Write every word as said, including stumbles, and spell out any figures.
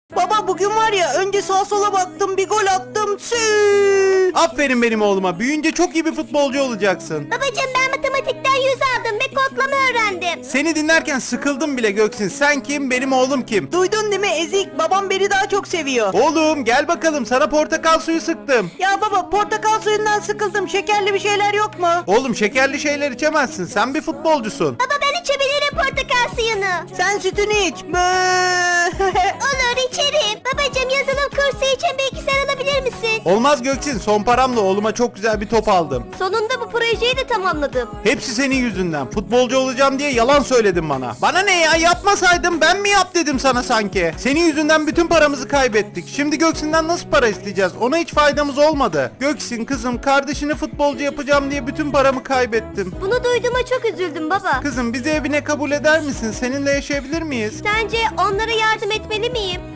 Baba bugün var ya, önce sağa sola baktım, bir gol attım. Sü. Aferin benim oğluma. Büyüyünce çok iyi bir futbolcu olacaksın. Babacığım ben matematikten yüz aldım ve kodlama öğrendim. Seni dinlerken sıkıldım bile Göksin. Sen kim, benim oğlum kim? Duydun değil mi Ezik? Babam beni daha çok seviyor. Oğlum gel bakalım, sana portakal suyu sıktım. Ya baba, portakal suyundan sıkıldım. Şekerli bir şeyler yok mu? Oğlum şekerli şeyler içemezsin. Sen bir futbolcusun. Baba ben içebilirim portakal suyunu. Sen sütünü iç. Bı. Olur içerim. Babacığım yazılım kursu için bilgisayar alabilir misin? Olmaz Göksin. Son paramla oğluma çok güzel bir top aldım. Sonunda bu projeyi de tamamladım. Hepsi senin yüzünden. Futbolcu olacağım diye yalan söyledin bana. Bana ne ya, yapmasaydım ben mi yap dedim sana sanki. Senin yüzünden bütün paramızı kaybettik. Şimdi Göksin'den nasıl para isteyeceğiz? Ona hiç faydamız olmadı. Göksin kızım, kardeşini futbolcu yapacağım diye bütün paramı kaybettim. Bunu duyduğuma çok üzüldüm baba. Kızım bizi evine kabul eder misin? Seninle yaşayabilir miyiz? Sence onlara yardım etmeli miyim?